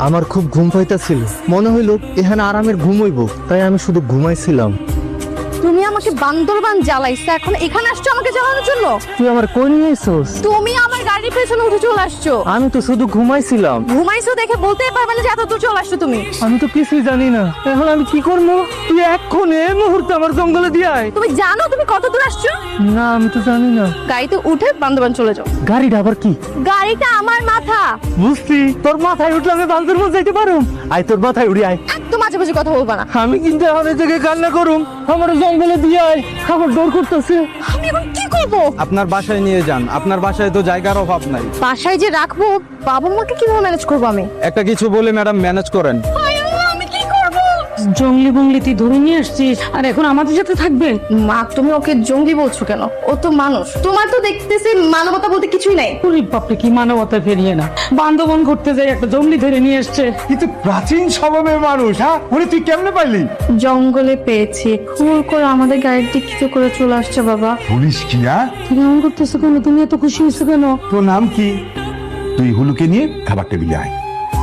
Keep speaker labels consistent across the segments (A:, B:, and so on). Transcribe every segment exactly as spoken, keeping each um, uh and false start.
A: আমার খুব ঘুম পাইতেছিল, মনে হইলো এখানে আরামের ঘুমাইবো, তাই আমি শুধু ঘুমাইছিলাম।
B: তুমি আমাকে বান্দরবান জ্বালাইছো, এখন এখানে আসছো আমাকে জ্বালানোর জন্য?
A: তুই আমার কই নিয়ে আইছস?
B: তুমি আমার গাড়ির পেছনে উঠে চলে আসছো।
A: আমি তো শুধু ঘুমাইছিলাম।
B: ঘুমাইছো দেখে বলতেই পারবে না যে এত দূর চলে আসছো তুমি।
A: আমি তো কিছুই জানি না, এখন আমি কি করবো? তুই এক্ষুনি এই মুহূর্তে আমার জঙ্গলে দিয়ে আয়।
B: তুমি জানো তুমি কত দূর আসছো?
A: না, আমি তো জানি না।
B: গাড়িতে উঠে বান্দরবান চলে যাও।
A: গাড়িটা আবার কি?
B: গাড়িটা আমার মাথা।
A: বুঝছি, তোর মাথায় উঠলে আমি বান্দরবান যাইতে পারো। আয়, তোর মাথায় উড়ি আয়।
B: একদম মাঝে মাঝে কথা বলবা না।
A: আমি কিন্তু এখন এই জায়গায় কান্না করুম, আমার জঙ্গলে দিয়ে আয়, আমার ডর করতেছে।
B: আমি এখন কি করবো?
C: আপনার বাসায় নিয়ে যান, আপনার বাসায় তো জায়গার অভাব নাই।
B: বাসায় যে রাখবো, বাবা মাকে কিভাবে ম্যানেজ করবো আমি?
C: একটা কিছু বলে ম্যাডাম ম্যানেজ করেন।
B: আমি কি করবো?
D: জঙ্গলি বঙ্গলি তুই ধরে নিয়ে আসছিস আর এখন আমাদের সাথে থাকবে?
B: মা, তুমি ওকে জঙ্গি বলছো কেন? ও তো মানুষ। তোমার তো দেখতেছি মানবতা বলতে কিছুই নাই।
D: গরিব বাপরে, কি মানবতা ফেরিয়ে না, বান্ধবন করতে যাই একটা জঙ্গলি ধরে নিয়ে এসছে।
E: কিন্তু প্রাচীন স্বভাবের মানুষ, হ্যাঁ উনি তুই কেমনে পাইলি?
B: জঙ্গলে পেয়েছি, খুল করে আমাদের গাড়ির দিক কিছু করে চলে আসছে বাবা।
E: পুলিশ কি? হ্যাঁ
D: তুমি এমন করতেছো কেন? তুমি এত খুশি হয়েছো কেন?
E: তোর নাম কি? তুই হুলুকে নিয়ে খাবার টেবিলে আয়।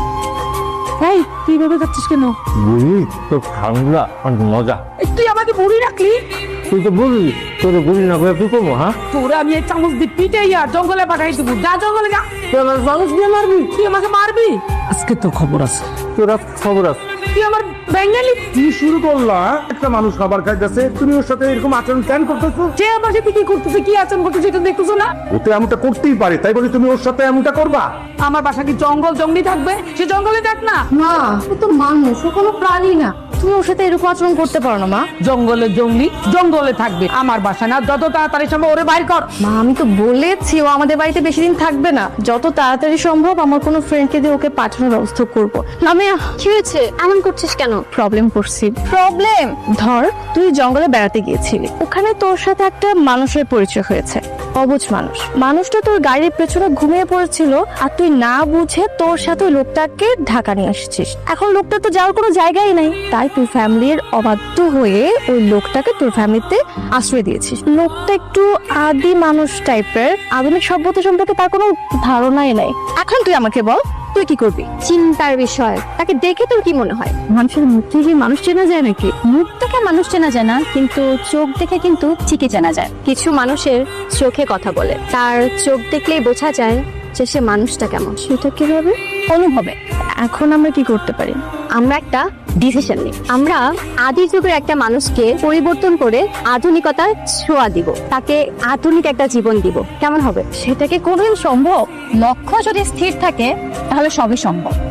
D: এই তুই ভেবে যাচ্ছিস কেন?
A: বুড়ি, তোর খাংলা আর মজা।
D: এই, তুই আমাকে বুড়ি রাখলি?
A: তুই তো বুঝলি, তোর বুড়ি না করে তুই কমো। হ্যাঁ,
D: তোরা আমি এই চামচ দিয়ে পিটাই আর জঙ্গলে পাঠাই দেবো। যা জঙ্গলে যা।
A: তুই আমার মানুষ দিয়ে মারবি?
D: তুই আমাকে মারবি? আজকে তোর খবর আছে।
A: তোরা খবর আছে?
D: তুই আমার বেঙ্গালি।
E: কি শুরু করলা? একটা মানুষ খাবার খাইতেছে, তুমি ওর সাথে এরকম আচরণ কেন করতেছো?
D: যে আমার সাথে কি করতেছে, কি আচরণ করতেছে, এটা দেখতেছো না?
E: ওতে এমনটা করতেই পারে, তাই বলে তুমি ওর সাথে এমনটা করবা?
D: আমার বাসা কি জঙ্গল জঙ্গলি থাকবে? সে জঙ্গলে থাক না।
B: মা, ও তো মানুষ, ও কোনো প্রাণী না। তুমি ওর সাথে এরকম আচরণ করতে পারো না মা।
D: জঙ্গলে জঙ্গলি জঙ্গলে থাকবে, আমার বাসা না। যত তাড়াতাড়ি সম্ভব ওরে বাইর কর।
B: মা, আমি তো বলেছি ও আমাদের বাড়িতে বেশি দিন থাকবে না। যত তাড়াতাড়ি সম্ভব আমার কোনো ফ্রেন্ডকে দিয়ে ওকে পাঠানোর ব্যবস্থা করব। লামিয়া, কি হয়েছে? এমন করছিস কেন? প্রবলেম করছি। প্রবলেম? ধর, তুই জঙ্গলে বেড়াতে গিয়েছিলি, ওখানে তোর সাথে একটা মানুষের পরিচয় হয়েছে। অবুঝ মানুষ। মানুষটা তোর গাড়ির পেছনে ঘুমিয়ে পড়েছিল, আর তুই না বুঝে তোর সাথে ওই লোকটাকে ঢাকা নিয়ে আসছিস। এখন লোকটা তো যাওয়ার কোনো জায়গাই নাই, তাই তুই ফ্যামিলির অবাধ্য হয়ে ওই লোকটাকে তোর ফ্যামিলিতে আশ্রয় দিয়েছিস। লোকটা একটু আদি মানুষ টাইপের, আধুনিক সভ্যতা সম্পর্কে তার কোনো ধারণাই নাই। এখন তুই আমাকে বল, তুই কি করবি? চিন্তার বিষয়। তাকে দেখে তোর কি মনে হয়? মানুষের মুখ থেকে মানুষ চেনা যায় নাকি? মুখ থেকে মানুষ চেনা যায় না, কিন্তু চোখ দেখে কিন্তু ঠিকই চেনা যায়। কিছু মানুষের চোখে কথা বলে, তার চোখ দেখলেই বোঝা যায় যে সে মানুষটা কেমন। সেটা কিভাবে? অনুভবে। এখন আমরা কি করতে পারি? আমরা একটা ডিসিশন নিই। আমরা আদি যুগের একটা মানুষকে পরিবর্তন করে আধুনিকতার ছোঁয়া দিব, তাকে আধুনিক একটা জীবন দিব। কেমন হবে? সেটাকে কোনোদিন সম্ভব? লক্ষ্য যদি স্থির থাকে তাহলে সবই সম্ভব।